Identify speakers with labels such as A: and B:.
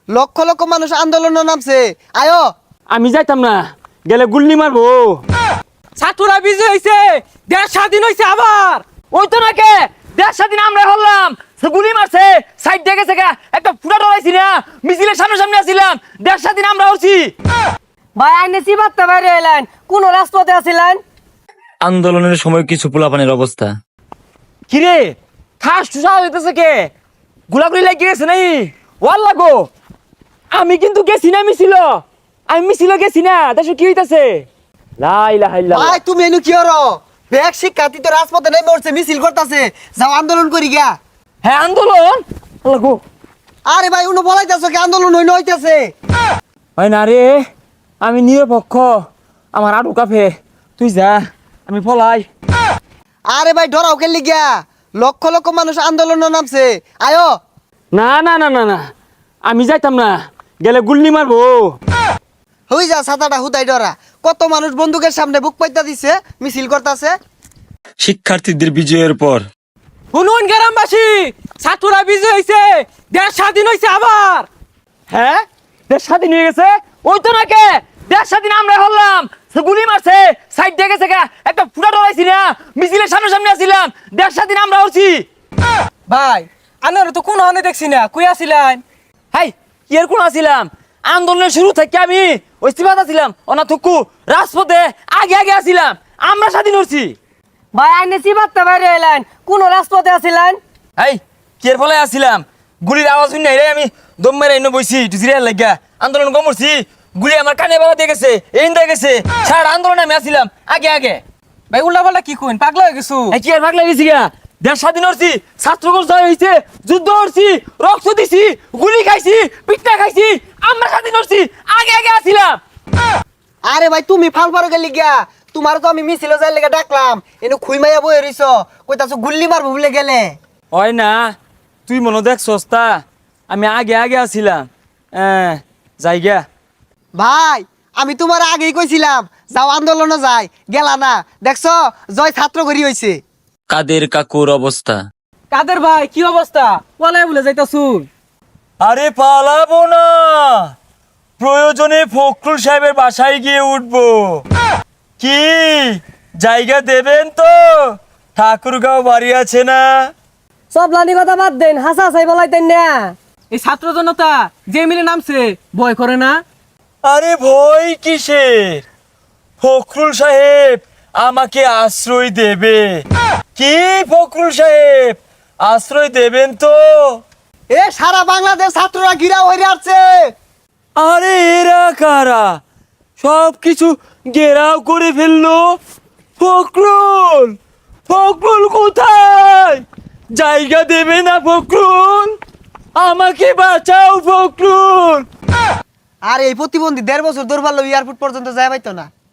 A: লক্ষ লক্ষ মানুষ আন্দোলনে নামছে, আয়ো।
B: আমি যাইতাম না, গেলে গুল্লি মারবো।
C: ছাত্ররা বিজয় হয়েছে, দেশ স্বাধীন হয়েছে আবার।
B: ওই তো নাকি দেশ স্বাধীন আমরা হলাম, সে গুলি মারছে সাইড দেখে থেকে একটা ফুটা ডরাইছি না, মিছিলের সামনে সামনে আসছিলাম, দেশ স্বাধীন আমরা হচ্ছি।
C: ভাই আইনে চিবাতে বাইরে এলেন, কোন রাজপথে আছিলেন?
D: আন্দোলনের সময় কিছু পোলাপানের অবস্থা।
B: কিরে খাস টুসা হইতেছে কে? গুলাগুলি লাগিয়ে গেছে নাই? ওয়াল লাগো, আমি কিন্তু গেছি না মিছিল, আমি মিছিল গেছি না। দেশে কি হইতাছে? লাই লাই লাই
A: ভাই তুমি এনু কি হরো? ব্যাগ শিক্ষার্থী তো রাজপথে নেমে উঠছে, মিছিল করতেছে, যাও আন্দোলন করি গিয়া।
B: হ্যাঁ আন্দোলন লাগো।
A: আরে ভাই উনো বলাইতেছো কি আন্দোলন হইতেছে?
B: হয় না রে, আমি নিরপেক্ষ, আমার আডু কাফে, তুই যা আমি পলাই।
A: আরে ভাই ডরাও খেললি গিয়া, লক্ষ লক্ষ মানুষ আন্দোলনে নামছে, আয়ো।
B: না না না না না, আমি যাইতাম না, গেলে গুল্লি মারবো।
A: হই যা ছাতাটা হুদাই ডরা, কত মানুষ বন্দুকের সামনে বুক পাইতা দিছে, মিছিল করতেছে।
D: শিক্ষার্থীদের বিজয়ের পর
C: শুনুন গ্রামবাসী, ছাত্ররা বিজয় হয়েছে, দেশ স্বাধীন হয়েছে আবার।
B: হ্যাঁ দেশ স্বাধীন হয়ে গেছে, ওই তো নাকি দেশ স্বাধীন আমরা হলাম, সে গুলি মারছে সাইড দেখে থেকে একটা ফুটা ডরাইছি না, মিছিলের সামনে সামনে আসছিলাম, দেশ স্বাধীন আমরা হচ্ছি।
C: ভাই আনার তো কোন হানে দেখছি না, কই আছিলেন?
B: হাই এর কোন আসছিলাম, আন্দোলনের শুরু থেকে আমি ওই সিবাত আছিলাম, অনা থুকু রাজপথে আগে আগে আসছিলাম, আমরা স্বাধীন হচ্ছি।
C: ভাই আইনে চিবাতে বাইরে এলেন, কোন রাজপথে আছিলেন?
B: হাই কের ফলে আসছিলাম, গুলির আওয়াজ শুনি নাই রে, আমি দম মেরে এনে বইছি একটু জিরিয়ার লাগিয়া, আন্দোলন কমরছি, গুলি আমার কানে বাবা দিয়ে গেছে, এই দিয়ে গেছে, সারা আন্দোলনে আমি আসছিলাম আগে আগে।
C: ভাই উল্টা পাল্টা কি কইন, পাগলা হয়ে গেছো?
B: এই কি আর ভাগ লাগিয়েছি গা, দেশ স্বাধীন হচ্ছি, ছাত্রগণ জয় হয়েছে, যুদ্ধ হচ্ছি, রক্ত দিছি, গুলি খাইছি, পিঠা খাইছি, আমরা স্বাধীন হচ্ছি, আগে আগে আসছিলাম।
A: আরে ভাই তুমি ফাল পারো গেলি গিয়া, তোমার তো আমি মিছিলে যাই লেগে ডাকলাম, এনু খুইমাইয়া বই রইছ, কইতাছো গুল্লি মারবো বলে গেলে।
B: হয় না, তুই মনে দেখ সস্তা, আমি আগে আগে আসছিলাম, যাই গা।
A: ভাই আমি তোমার আগেই কইছিলাম যাও আন্দোলনে যাই, গেলা না, দেখছো জয় ছাত্র করি হইছে।
D: কাদের কাকুর অবস্থা।
C: কাদের ভাই কি অবস্থা? পলায় বলে যাইতাছুন।
B: আরে পালাবো না, প্রয়োজনে ফখরুল সাহেবের বাসায় গিয়ে উঠবো। কি জায়গা দেবেন তো? ঠাকুরগাঁও বাড়ি আছে না?
C: সব লানি কথা বাদ দেন, হাসা হাসাই বলাইতেন না। এই ছাত্র জনতা যে মিলে নামছে, ভয় করে না?
B: আরে ভয় কিসের, ফখরুল সাহেব আমাকে আশ্রয় দেবে। কি ফখরুল সাহেব আশ্রয় দেবেন তো?
A: এ সারা বাংলাদেশ ছাত্ররা ঘিরা হয়ে আসছে।
B: আরে এরা কারা, সব কিছু ঘেরাও করে ফেললো। ফখরুল, ফখরুল কোথায়? জায়গা দেবে না ফখরুল, আমাকে বাঁচাও ফখরুল।
A: আর এই প্রতিবন্ধী 1.5 বছর দৌড় পারলো এয়ারপোর্ট পর্যন্ত যায় পাইতো না।